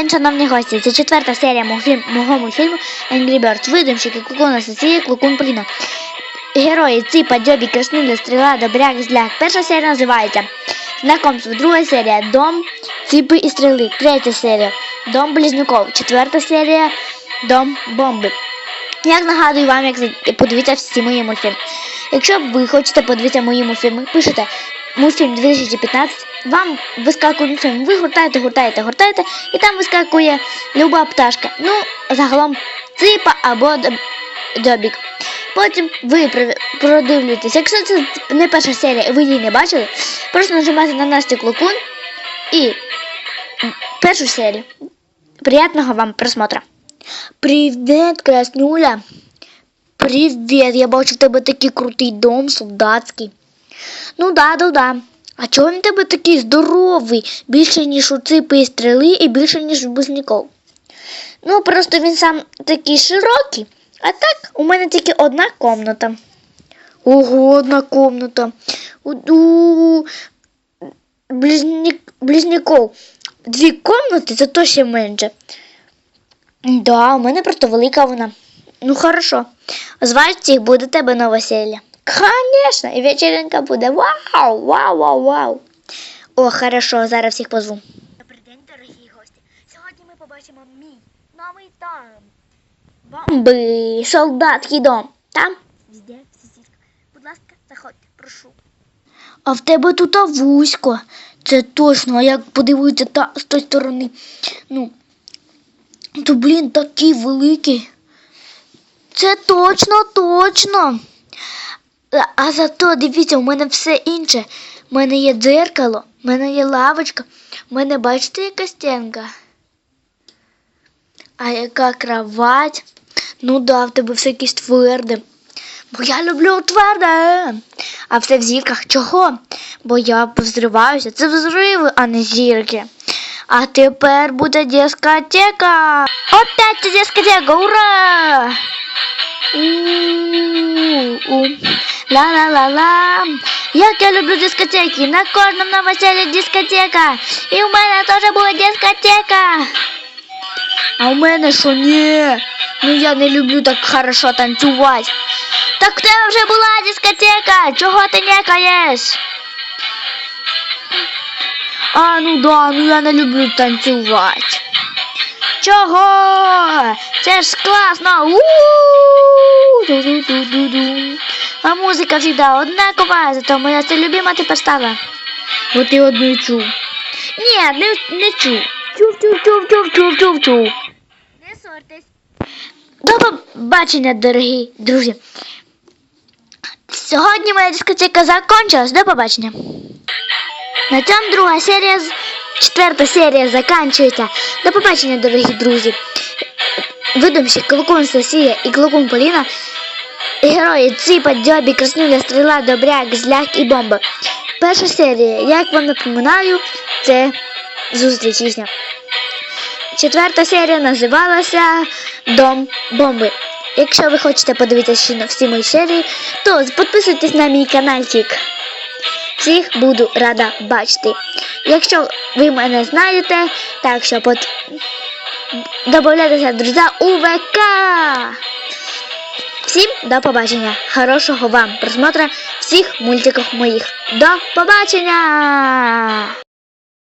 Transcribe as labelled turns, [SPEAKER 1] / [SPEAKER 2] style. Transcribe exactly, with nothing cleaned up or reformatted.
[SPEAKER 1] день, шановні гості. Це четверта серія мого, фільм, мого мультфільму Angry Birds. Видумщики Клокун Асоція, Клокун Поліна. Герої Ципа, Дзьобі, Краснуля, Стріла, Добряк, Зляк. Перша серія називається Знакомство. Друга серія Дом Ципи і Стріли. Третя серія Дом Близнюков. Четверта серія Дом Бомби. Як нагадую вам, як подивитися всі мої мультфільми. Якщо ви хочете подивитися мої мультфільми, пишете мультфільм дві тисячі п'ятнадцять, вам вискакує мультфільм, ви гуртаєте, гуртаєте, гуртаєте, і там вискакує люба пташка. Ну, загалом Ципа або Дзьобік. Потім ви продивлюєтесь. Якщо це не перша серія і ви її не бачили, просто нажимайте на Настю Клокун і першу серію. Приятного вам просмотра. Привіт, Краснуля. Привіт, я бачу в тебе такий крутий дом, солдатський. Ну да, да, да. А чого він в тебе такий здоровий? Більше, ніж у Ципи і Стріли і більше, ніж у Близнюков. Ну, просто він сам такий широкий. А так, у мене тільки одна комната. Ого, одна комната. У, у близняк, Близнюков дві комнати, це то ще менше. Да, у мене просто велика вона. Ну, хорошо. Звати їх буде тебе новосілля. Конечно, і вечеринка буде. Вау, вау, вау, вау. О, хорошо, зараз всіх позву. Добрий день, дорогі гості. Сьогодні ми побачимо мій новий дом. Бомби, солдатський дом. Там, везде, в сусідках. Будь ласка, заходьте, прошу. А в тебе тут вузько. Це точно, а як подивитися та, з тої сторони. Ну, то, блін, такий великий. Це точно, точно. А зато, дивіться, у мене все інше. У мене є дзеркало, у мене є лавочка, у мене, бачите, яка стінка? А яка кровать? Ну да, в тебе все якесь тверде. Бо я люблю тверде. А все в зірках. Чого? Бо я взриваюся. Це взриви, а не зірки. А тепер буде дискотека. Опять це дискотека, ура! У-у-у. Ла-ла-ла-ла. Як я люблю дискотеки. На кожному новосіллі дискотека. І у мене теж буде дискотека. А у мене що, ні? Ну я не люблю так хорошо танцювати. Так в тебе вже була дискотека. Чого ти некаєш? А, ну да, ну я не люблю танцювати. Чого? Це ж класно. У-у-у. А музика завжди однакова, зато моя це любима тепер стала. Бо ти одну чув. Ні, не, не чув. Чув, чув, чув, чув, чув, чув, чув. Не ссорьтесь. До побачення, дорогі друзі. Сьогодні моя дискотека закончилась. До побачення. На цьому друга серія, четверта серія закінчується. До побачення, дорогі друзі. Видумщик Клокун Сосія і Клокун Поліна. Герої Ципа, Дзьобі, Краснуля, Стріла, Добряк, Зляк і Бомба. Перша серія, як вам напоминаю, це зустріч їхня. Четверта серія називалася Дом Бомби. Якщо ви хочете подивитися ще всі мої серії, то підписуйтесь на мій каналчик. Всіх буду рада бачити. Якщо ви мене знаєте, так що под... добавляйтеся, друзі, у ВК. Всім до побачення. Хорошого вам просмотра всіх мультиків моїх. До побачення!